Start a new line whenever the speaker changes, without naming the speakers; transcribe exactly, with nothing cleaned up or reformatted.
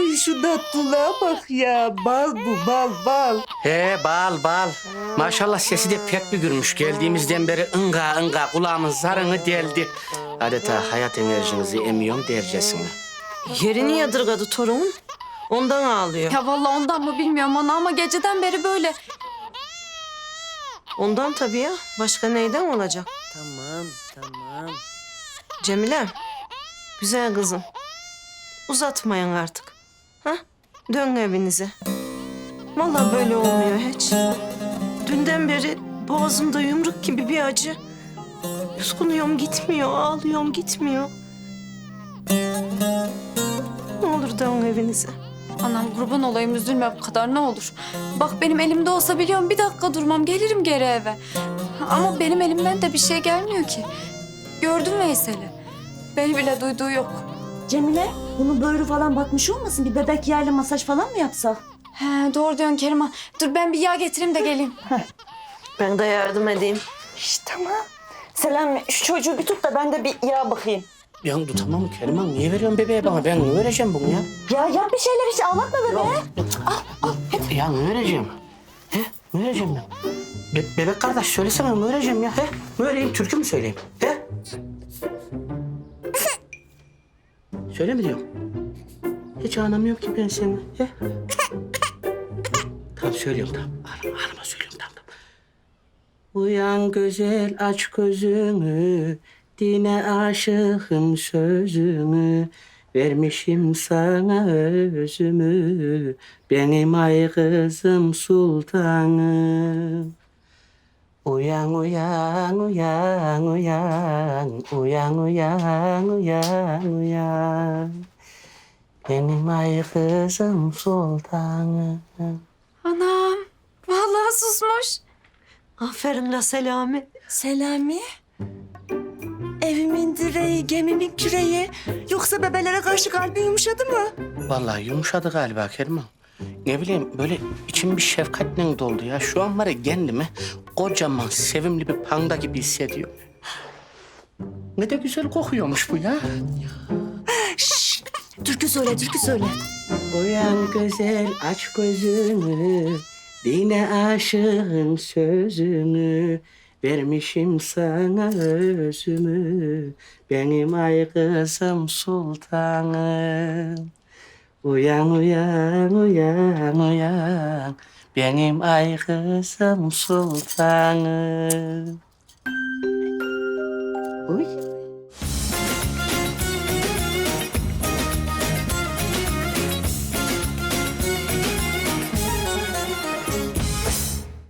Ay şu tatlılığa bak ya. Bal bu bal bal.
He bal bal. Maşallah sesi de pek bir gülmüş. Geldiğimizden beri ınga ınga kulağımın zarını deldi. Adeta hayat enerjinizi emiyorum dercesine.
Yerini yadırgadı torunun. Ondan ağlıyor.
Ya vallahi ondan mı bilmiyorum ana ama geceden beri böyle.
Ondan tabii ya. Başka neyden olacak?
Tamam tamam.
Cemile, güzel kızım. Uzatmayın artık. Ha? Dön evinize. Vallahi böyle olmuyor hiç. Dünden beri boğazımda yumruk gibi bir acı. Yuskunuyorum gitmiyor, ağlıyorum gitmiyor. Ne olur dön evinize.
Anam kurban olayım üzülme bu kadar ne olur. Bak benim elimde olsa biliyorum bir dakika durmam gelirim geri eve. Ama benim elimden de bir şey gelmiyor ki. Gördün Veysel'i. Beni bile duyduğu yok.
Cemile, bunun böğrü falan batmış olmasın? Bir bebek yağıyla masaj falan mı yapsak?
He doğru diyorsun Keriman. Dur ben bir yağ getireyim de geleyim.
Ben de yardım edeyim.
İşte tamam. Selami, şu çocuğu bir tut da ben de bir yağ bakayım.
Ya tutamam mı Keriman? Niye veriyorsun bebeğe bana? Ben ne vereceğim bunu ya?
Ya yap bir şeyler hiç ağlatma bebeğe.
Ya ne vereceğim? He? Ne vereceğim ben? Be bebek kardeş söylesene ne vereceğim ya? He? Ne vereyim? Türkü mü söyleyeyim? He? Söyle mi diyorum? Hiç anlamıyorum ki ben seni. He? Tamam söylüyorum tamam. Ağlama, ağlama söylüyorum tamam. tamam. Uyan güzel aç gözünü. Dine aşığım sözümü. Vermişim sana özümü. Benim ay kızım sultanım. Uyan uyan uyan uyan. Uyan uyan uyan uyan. Benim ay kızım sultanım.
Anam vallahi susmuş.
Aferin la Selami.
Selami, evimin direği, gemimin küreği. Yoksa bebelere karşı kalbin yumuşadı mı?
Vallahi yumuşadı galiba Keriman. Ne bileyim böyle içim bir şefkatle doldu ya. Şu an var ya kendimi kocaman sevimli bir panda gibi hissediyorum. Ne de güzel kokuyormuş bu ya.
Türkü söyle, türkü söyle.
Uyan güzel aç gözünü. Dine aşığım sözünü. Vermişim sana özümü. Benim ay kızım sultanım. Uyan uyan uyan uyan. Benim ay kızım sultanım. Uy.